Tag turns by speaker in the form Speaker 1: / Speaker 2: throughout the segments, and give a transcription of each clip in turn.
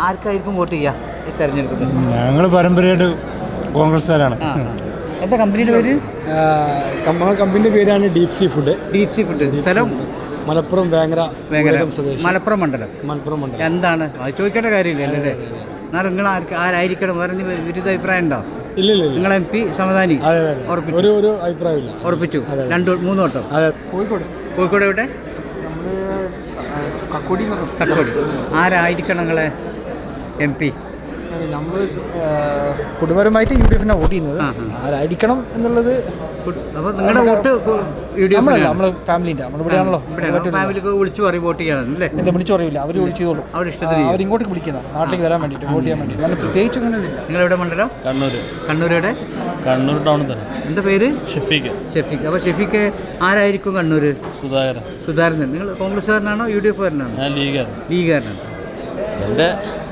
Speaker 1: ആർക്കായിരിക്കും vote ചെയ്യുക ഈ തെരഞ്ഞെടുപ്പിൽ?
Speaker 2: ഞങ്ങൾ പാരമ്പര്യമായിട്ട് കോൺഗ്രസ്സുകാരാണ്.
Speaker 1: എന്താ കമ്പനിയുടെ പേര്?
Speaker 2: കമ്പനിയുടെ പേരാണ് deep sea food.
Speaker 1: Deep sea food. സ്ഥലം
Speaker 2: മലപ്പുറം വേങ്ങര.
Speaker 1: മലപ്പുറം മണ്ഡലം. എന്താണ് അത് ചോദിക്കേണ്ട കാര്യമില്ല അല്ലേ? എന്നാൽ നിങ്ങൾ ആരായിരിക്കണം പറഞ്ഞ് വിരുദ്ധ അഭിപ്രായം ഉണ്ടോ?
Speaker 2: ഇല്ല.
Speaker 1: നിങ്ങൾ MP സമദാനി
Speaker 2: ഒരു അഭിപ്രായമില്ല.
Speaker 1: ഉറപ്പിച്ചു 2-3 വട്ടം. കോഴിക്കോട് എവിടെ? കക്കോടി. ആരായിരിക്കണം നിങ്ങളെ MP?
Speaker 3: നമ്മൾ കുടുംബപരമായിട്ട് UDF വോട്ട് ചെയ്യുന്നത്. ആരായിരിക്കണം എന്നുള്ളത്
Speaker 1: അപ്പോൾ നിങ്ങളുടെ വോട്ട് UDF?
Speaker 3: നമ്മൾ ഫാമിലിൻ്റെ നമ്മളിവിടെയാണല്ലോ.
Speaker 1: ഫാമിലിക്ക് വിളിച്ചു പറയും വോട്ട് ചെയ്യണം അല്ലേ?
Speaker 3: എന്നെ വിളിച്ചു പറയില്ല, അവർ വിളിച്ചു ചെയ്തോളൂ. അവരിങ്ങോട്ട് വിളിക്കുന്ന നാട്ടിലേക്ക് വരാൻ വേണ്ടിയിട്ട് വോട്ട് ചെയ്യാൻ വേണ്ടിയിട്ട്. ഞാൻ പ്രത്യേകിച്ച് അങ്ങനെ
Speaker 1: നിങ്ങളെവിടെ മണ്ഡലം? കണ്ണൂരുടെ
Speaker 2: കണ്ണൂർ ടൗണിൽ തന്നെ.
Speaker 1: എന്താ പേര്?
Speaker 2: ഷെഫീഖ്.
Speaker 1: അപ്പോൾ ഷെഫീഖ് ആരായിരിക്കും കണ്ണൂർ? സുധാകരൻ. നിങ്ങൾ കോൺഗ്രസ്സുകാരനാണോ UDF-കാരനാണോ? ലീഗുകാരനാണ്.
Speaker 4: എൻ്റെ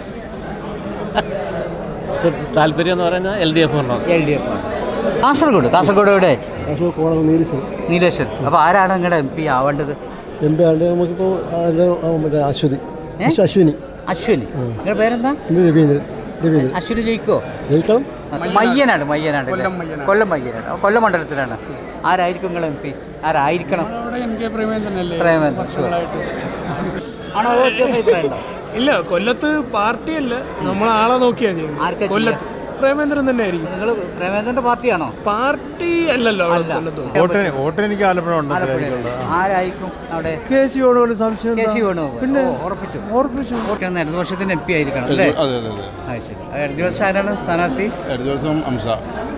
Speaker 4: താല്പര്യം എന്ന് പറയുന്നത് LDF ആണ്.
Speaker 1: കാസർഗോഡ് എവിടെ? നീലേശ്വർ. അപ്പോൾ ആരാണ് നിങ്ങളുടെ MP ആവേണ്ടത്?
Speaker 5: MP ആണ്ട് നമുക്കിപ്പോൾ അശ്വിനി.
Speaker 1: നിങ്ങളുടെ പേരെന്താ?
Speaker 5: രവീന്ദ്രൻ.
Speaker 1: അശ്വിനി ജയിക്കണം. മയ്യനാട്. കൊല്ലം മയ്യനാട്. കൊല്ലം മണ്ഡലത്തിലാണ്. ആരായിരിക്കും നിങ്ങൾ MP? ആരായിരിക്കണം? പ്രേമേന്ദ്രൻ. ആണോ? അഭിപ്രായം ഉണ്ടോ?
Speaker 6: ഇല്ല, കൊല്ലത്ത് പാർട്ടിയല്ല, നമ്മൾ ആളെ നോക്കിയാ ചെയ്യുന്നത്. കൊല്ലത്ത് പ്രേമേന്ദ്രൻ തന്നെ ആയിരിക്കും.
Speaker 1: നിങ്ങൾ പ്രേമേന്ദ്രന്റെ പാർട്ടിയാണോ?
Speaker 6: പാർട്ടി അല്ലല്ലോ.
Speaker 2: വോട്ട് എനിക്ക് ആലപ്പുഴ.
Speaker 1: ആരായിരിക്കും അവിടെ?
Speaker 5: KC സംശയം.
Speaker 1: പിന്നെ ഉറപ്പിച്ചു. ഇടതുപക്ഷത്തിന്റെ MP ആയിരിക്കണം അല്ലേ? ശരി. ഇടതുപക്ഷം ആരാണ് സ്ഥാനാർത്ഥി?
Speaker 7: ഇടതുപക്ഷം